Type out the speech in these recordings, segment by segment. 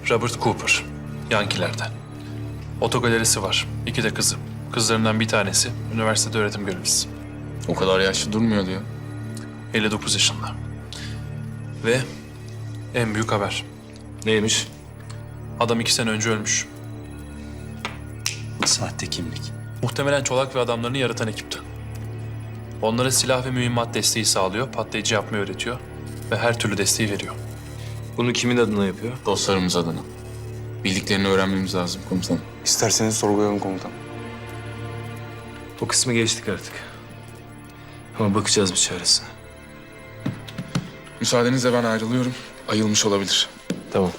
Robert Cooper. Yankilerden. Otogalerisi var. 2 de kızı. Kızlarından bir tanesi üniversitede öğretim görevlisi. O kadar yaşlı durmuyor diyor. 59 yaşında. Ve en büyük haber. Neymiş? Adam 2 sene önce ölmüş. Sahte kimlik. Muhtemelen Çolak ve adamlarını yaratan ekipti. Onlara silah ve mühimmat desteği sağlıyor, patlayıcı yapmayı öğretiyor ve her türlü desteği veriyor. Bunu kimin adına yapıyor? Dostlarımız adına. Bildiklerini öğrenmemiz lazım komutanım. İsterseniz sorgulayalım komutan. O kısmı geçtik artık. Ama bakacağız bir çaresine. Müsaadenizle ben ayrılıyorum. Ayılmış olabilir. Tamam.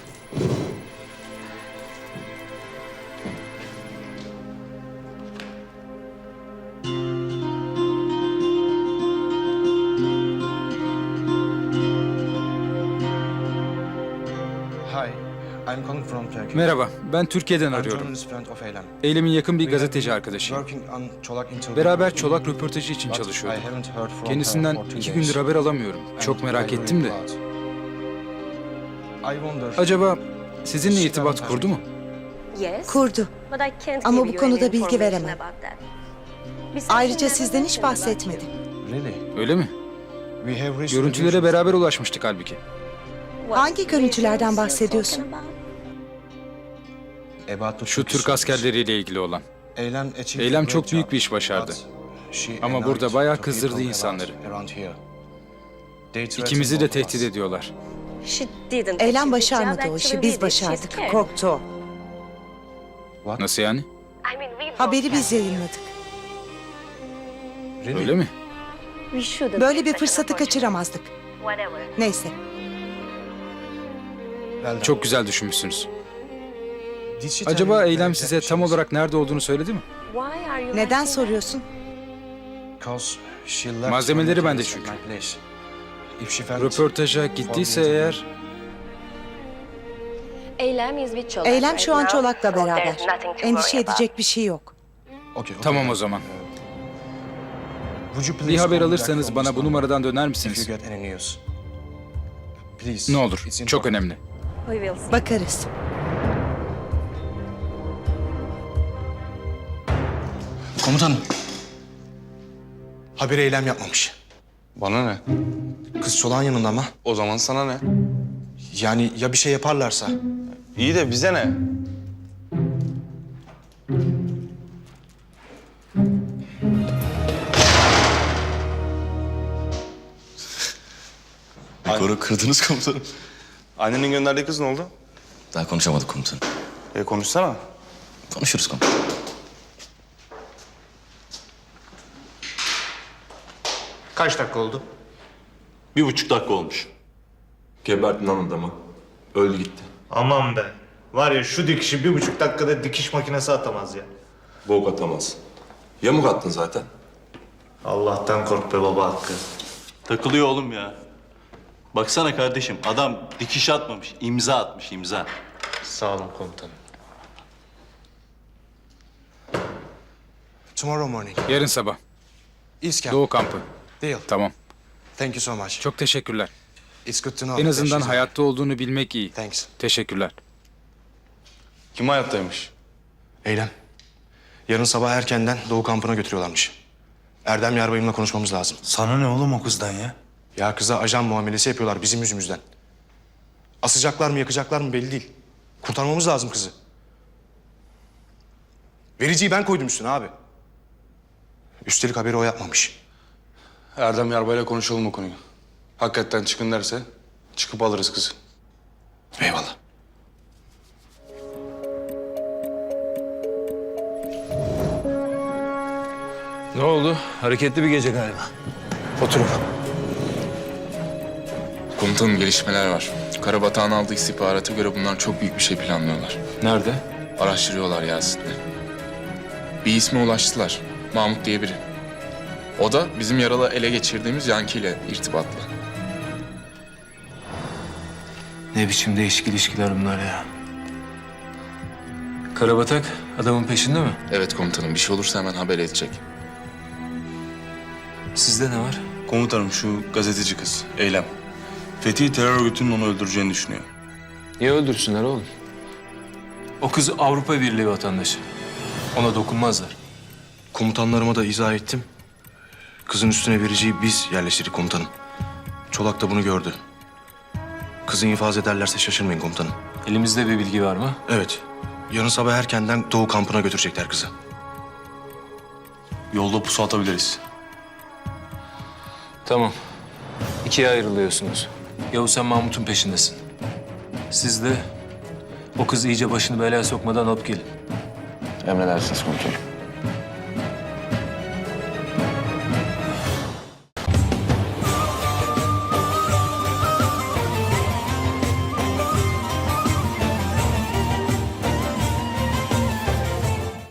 Hi, I'm calling from Turkey. Merhaba, ben Türkiye'den I'm arıyorum. journalist friend of Eylem. Eylem'in yakın bir We have gazeteci been arkadaşıyım. working on Çolak interview. Beraber Çolak röportajı için But I çalışıyorduk. haven't heard from Kendisinden her for 2 two gündür days. haber alamıyorum. Çok And merak I ettim de. worry about. I wonder. Acaba sizinle irtibat kurdu mu? Kurdu. Ama bu konuda bilgi veremem. Ayrıca sizden hiç bahsetmedi. Really? Öyle mi? We have reached Görüntülere the beraber ulaşmıştık halbuki. Hangi görüntülerden bahsediyorsun? about the Şu Türk askerleriyle ilgili olan. Eylem çok büyük bir iş başardı. Ama burada bayağı kızdırdı insanları. İkimizi de tehdit ediyorlar. Eylem başarmadı o işi, biz başardık. Korktu o. Nasıl yani? Haberi biz yayınladık. Öyle mi? Böyle bir fırsatı kaçıramazdık. Neyse, Çok güzel düşünmüşsünüz. Acaba Eylem size tam olarak nerede olduğunu söyledi mi? neden soruyorsun? Malzemeleri bende çünkü. Röportaja gittiyse eğer Eylem şu an Çolak'la beraber. Endişe edecek bir şey yok. tamam o zaman. Bir haber alırsanız bana bu numaradan döner misiniz? Ne olur, çok önemli. Bakarız. Komutanım. Haberi Eylem yapmamış. Bana ne? Kız Çolak'ın yanında ama. O zaman sana ne? Yani ya bir şey yaparlarsa? İyi de bize ne? Rekoru kırdınız komutanım. Annenin gönderdiği kız ne oldu? Daha konuşamadık komutanım. Konuşsana. Konuşuruz komutanım. Kaç dakika oldu? 1,5 dakika olmuş. Gebertin lan adamı. Öldü gitti. Aman be. Var ya şu dikişi 1,5 dakikada dikiş makinesi atamaz ya. Bok atamaz. Yamuk attın zaten. Allah'tan kork be baba Hakkı. Takılıyor oğlum ya. Baksana kardeşim adam dikiş atmamış, imza atmış imza. Sağ olun komutanım. Tomorrow morning. Yarın sabah. East Camp. Doğu kampı. Deal. Tamam. Thank you so much. Çok teşekkürler. It's good to know. En azından that she's- hayatta olduğunu bilmek iyi. Thanks. Teşekkürler. Kim hayattaymış? Eylem. Yarın sabah erkenden Doğu kampına götürüyorlarmış. Erdem Yarbayım'la konuşmamız lazım. Sana ne oğlum o kızdan ya? Ya kıza ajan muamelesi yapıyorlar bizim yüzümüzden. Asacaklar mı yakacaklar mı belli değil. Kurtarmamız lazım kızı. Vericiyi ben koydum üstüne abi. Üstelik haberi o yapmamış. Erdem Yarbay'la konuşalım o konuyu. Hakikaten çıkın derse çıkıp alırız kızı. Eyvallah. Ne oldu? Hareketli bir gece galiba. Oturun. Komutanım gelişmeler var. Karabatağ'ın aldığı istihbarata göre bunlar çok büyük bir şey planlıyorlar. Nerede? Araştırıyorlar Yasin'le. Bir isme ulaştılar. Mahmut diye biri. O da bizim yaralı ele geçirdiğimiz Yanki ile irtibatlı. Ne biçim değişik ilişkiler bunlar ya. Karabatak adamın peşinde mi? Evet komutanım, bir şey olursa hemen haber edecek. Sizde ne var? Komutanım şu gazeteci kız Eylem. Fethi terör örgütünün onu öldüreceğini düşünüyor. Niye öldürsünler oğlum? O kız Avrupa Birliği vatandaşı. Ona dokunmazlar. Komutanlarıma da izah ettim. Kızın üstüne vericiyi biz yerleştirdik komutanım. Çolak da bunu gördü. Kızı infaz ederlerse şaşırmayın komutanım. Elimizde bir bilgi var mı? Evet. Yarın sabah erkenden Doğu kampına götürecekler kızı. Yolda pusu atabiliriz. Tamam. İkiye ayrılıyorsunuz. Yavuz sen Mahmut'un peşindesin. Siz de o kızı iyice başını belaya sokmadan alıp gelin. Emredersiniz komutanım.